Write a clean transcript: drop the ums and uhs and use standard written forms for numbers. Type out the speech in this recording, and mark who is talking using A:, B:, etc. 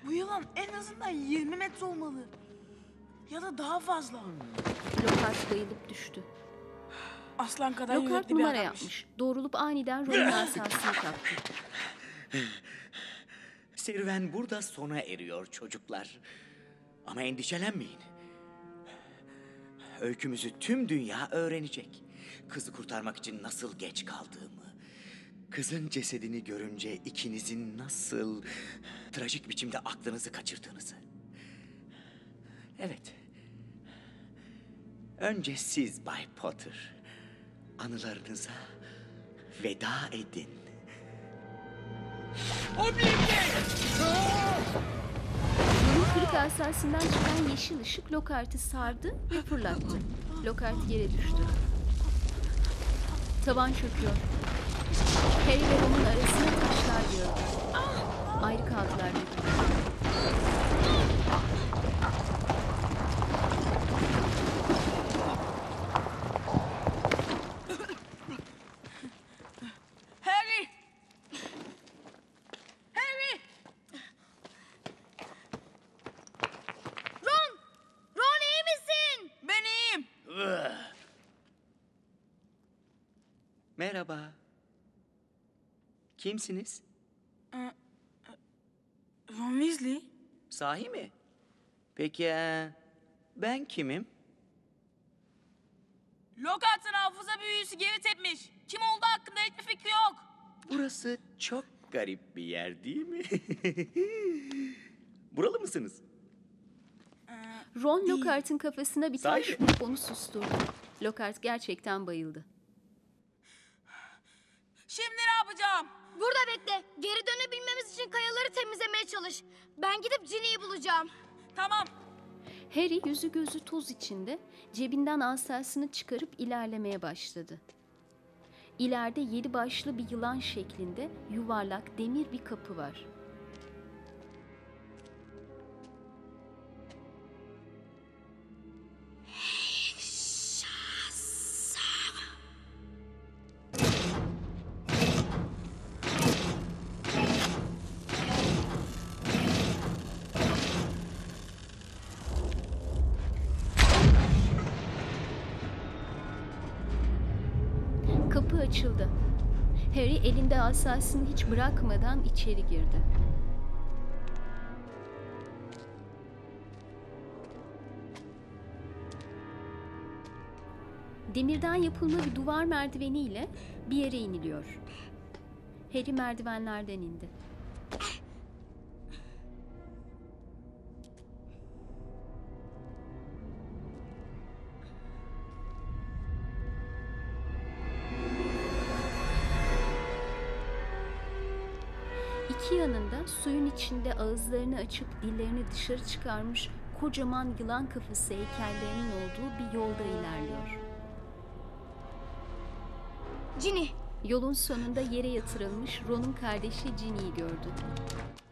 A: Bu yılan en azından 20 metre olmalı. Ya da daha fazla.
B: Lockhart bayılıp düştü.
A: Aslan kadar
B: Lockhart
A: yürekli bir
B: numara
A: adammış.
B: yapmış. Doğrulup aniden Ron'un asasını kaptı.
C: Serüven burada sona eriyor çocuklar. Ama endişelenmeyin. Öykümüzü tüm dünya öğrenecek. Kızı kurtarmak için nasıl geç kaldığımı, kızın cesedini görünce ikinizin nasıl trajik biçimde aklınızı kaçırdığınızı. Evet. Önce siz Bay Potter, anılarınıza veda edin.
B: Ron'un kırık asasından çıkan yeşil ışık Lockhart'ı sardı ve fırlattı. Lockhart yere düştü. Tavan çöküyor. Harry ve Ron'un arasına taşlar gördü. Ayrı kaldılar birlikte.
A: Harry! Harry!
D: Ron! Ron iyi misin?
A: Ben iyiyim.
C: Merhaba. Kimsiniz?
A: Ron Weasley?
C: Sahi mi? Peki ben kimim?
A: Lockhart'ın hafıza büyüsü geri tepmiş. Kim olduğu hakkında hiçbir fikri yok.
C: Burası çok garip bir yer değil mi? Buralı mısınız?
B: Ron Lockhart'ın kafasına bir taş
C: Sahi.
B: vurup onu susturdu. Lockhart gerçekten bayıldı.
A: Şimdi ne yapacağım?
D: Burada bekle. Geri dönebilmemiz için kayaları temizlemeye çalış. Ben gidip Ginny'yi bulacağım.
A: Tamam.
B: Harry yüzü gözü toz içinde cebinden asasını çıkarıp ilerlemeye başladı. İleride 7 başlı bir yılan şeklinde yuvarlak demir bir kapı var. Kapı açıldı. Harry elinde asasını hiç bırakmadan içeri girdi. Demirden yapılma bir duvar merdiveniyle bir yere iniliyor. Harry merdivenlerden indi. İki yanında suyun içinde ağızlarını açıp dillerini dışarı çıkarmış kocaman yılan kafası heykellerinin olduğu bir yolda ilerliyor.
D: Ginny.
B: Yolun sonunda yere yatırılmış Ron'un kardeşi Ginny'yi gördü.